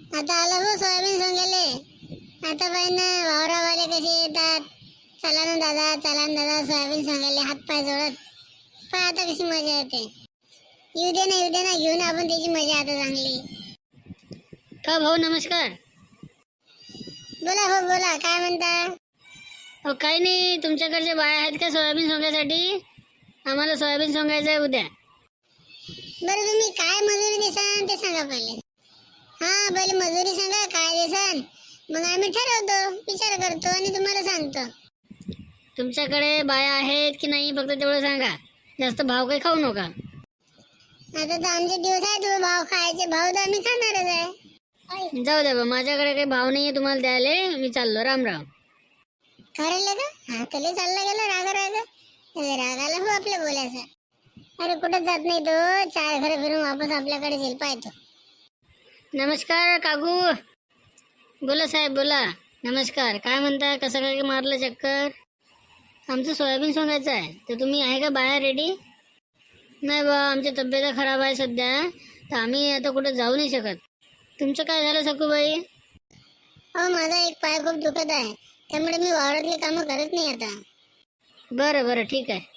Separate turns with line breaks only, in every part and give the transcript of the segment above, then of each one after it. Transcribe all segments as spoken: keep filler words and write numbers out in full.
आता आला हो सोयाबीन सोंगायले. आता पाहिजे ना वावरावाले कसे येतात, चला ना दादा चला ना दादा सोयाबीन सोंगायले हात पाय जोडत. पण आता कशी मजा येते. येऊ दे ना येऊ दे ना घेऊन आपण त्याची मजा आता चांगली.
का भाऊ नमस्कार.
बोला हो बोला काय म्हणता.
अहो काही नाही, तुमच्याकडचे बाया आहेत का सोयाबीन सोंगायसाठी? आम्हाला सोयाबीन सोंगायचं आहे उद्या.
बरं तुम्ही काय मजुरी देसान ते सांगा पहिले. हा पहिले मजुरी सांगा काय देसान, मग आम्ही ठरवतो, विचार करतो आणि तुम्हाला सांगतो.
तुमच्याकडे बाया आहेत की नाही फक्त तेवढं सांगा. जास्त भाव काही खाऊ नका.
आता तर आमचे दिवस आहे, तुम्ही भाव खायचे, भाव तर आम्ही खाणारच आहे.
जाऊ द्या बा, माझ्याकडे काही भाव नाहीये तुम्हाला द्यायला. मी चाललो, राम राम.
खरं का हा तले चालला गेला राग राग रागाला हो आपल्या बोलायचं. अरे कुठं जात नाही तो, चार घर फिरून वापस आपल्याकडे येईल पाहतो.
नमस्कार काकू. बोला साहेब बोला. नमस्कार. काय म्हणता, कसं काय मारलं चक्कर? आमचं सोयाबीन सोंगायचं आहे, तर तुम्ही आहे का बाया रेडी? नाही बा, आमची तब्येत खराब आहे सध्या, तर आम्ही आता कुठं जाऊ नाही शकत. तुमचं काय झालं सखूबाई?
हो माझा एक पाय खूप दुखत आहे, त्यामुळे मी वावरातली कामं करत नाही आता.
बरं बरं ठीक आहे.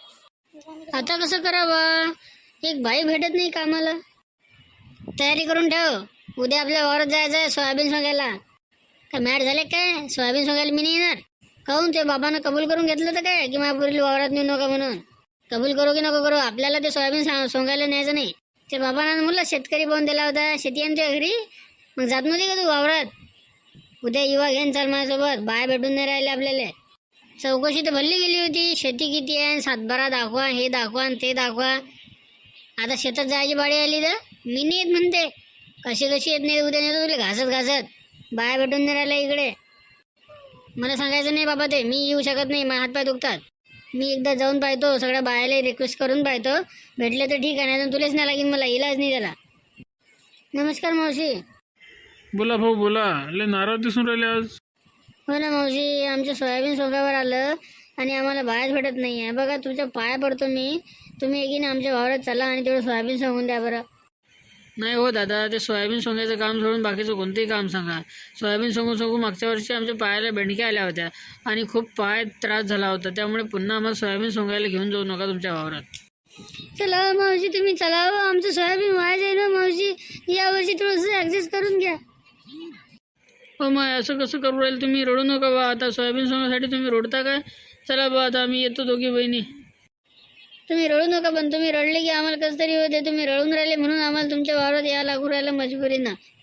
आता कसं करावं, एक बाई भेटत नाही कामाला. तयारी करून ठेव, उद्या आपल्या वावरात जायचं आहे सोयाबीन सोंगायला. काय मॅट झाले काय? सोयाबीन सोंगायला मी नाही येणार. काहून, ते बाबानं कबूल करून घेतलं तर काय की माझ्या पुरीला वावरात नेऊ नका म्हणून? कबूल करू की नको करू, आपल्याला ते सोयाबीन सोंगायला न्यायचं नाही. ते बाबानं मुलं शेतकरी पाहून दिला होता, शेती आणते घरी, मग जात नव्हती का तू वावरात? उद्या युवा घेऊन चाल माझ्यासोबत, बाय भेटून नाही राहिले आपल्याला. चौकशी तर भरली गेली होती, शेती किती आहे, सातबारा दाखवा, हे दाखवा ते दाखवा. आता शेतात जायची बाळी आली तर मी नाही येत म्हणते. कशी कशी येत नाही, उद्या नेतो तुला घासत घासत. बाय भेटून नाही राहिला इकडे. मला सांगायचं नाही बाबा, ते मी येऊ शकत नाही, माझे हातपाय दुखतात. मी एकदा जाऊन पाहतो, सगळ्या बायाला रिक्वेस्ट करून पाहतो, भेटले तर ठीक आहे, नाही तर तुलाच नाही लागेल, मला इलाज नाही त्याला. नमस्कार मावशी.
बोला भाऊ बोला. लय नाराज दिसून राहिले आज.
हो ना मावशी, आमच्या सोयाबीन सोंगावर आलं आणि आम्हाला बाहेर भेटत नाही आहे. बघा तुमच्या पाया पडतो मी, तुम्ही एकीने आमच्या वावरात चला आणि तेवढं सोयाबीन सोंगून द्या बरं.
नाही हो दादा, ते सोयाबीन सोंगायचं काम सोडून बाकीचं कोणतंही काम सांगा. सोयाबीन सोंगून सोंगून मागच्या वर्षी आमच्या पायाला बेंडक्या आल्या होत्या आणि खूप पाय त्रास झाला होता, त्यामुळे पुन्हा आम्हाला सोयाबीन सोंगायला घेऊन जाऊ नका तुमच्या वावरात.
चला मावशी तुम्ही चला, आमचं सोयाबीन वाया जाईल ना मावशी, यावर्षी थोडंसं ॲडजस्ट करून घ्या.
हो मग असं कसं करू राहील तुम्ही, रडू नका बा. आता सोयाबीन सोंगासाठी तुम्ही रडता काय? चला बा आता आम्ही येतो दोघी बहिणी.
तुम्ही रडू नका, पण तुम्ही रडले की आम्हाला कसं तरी होते. तुम्ही रडून राहिले म्हणून आम्हाला तुमच्या वावरात यायला लागू राहिलं मजबुरीनं.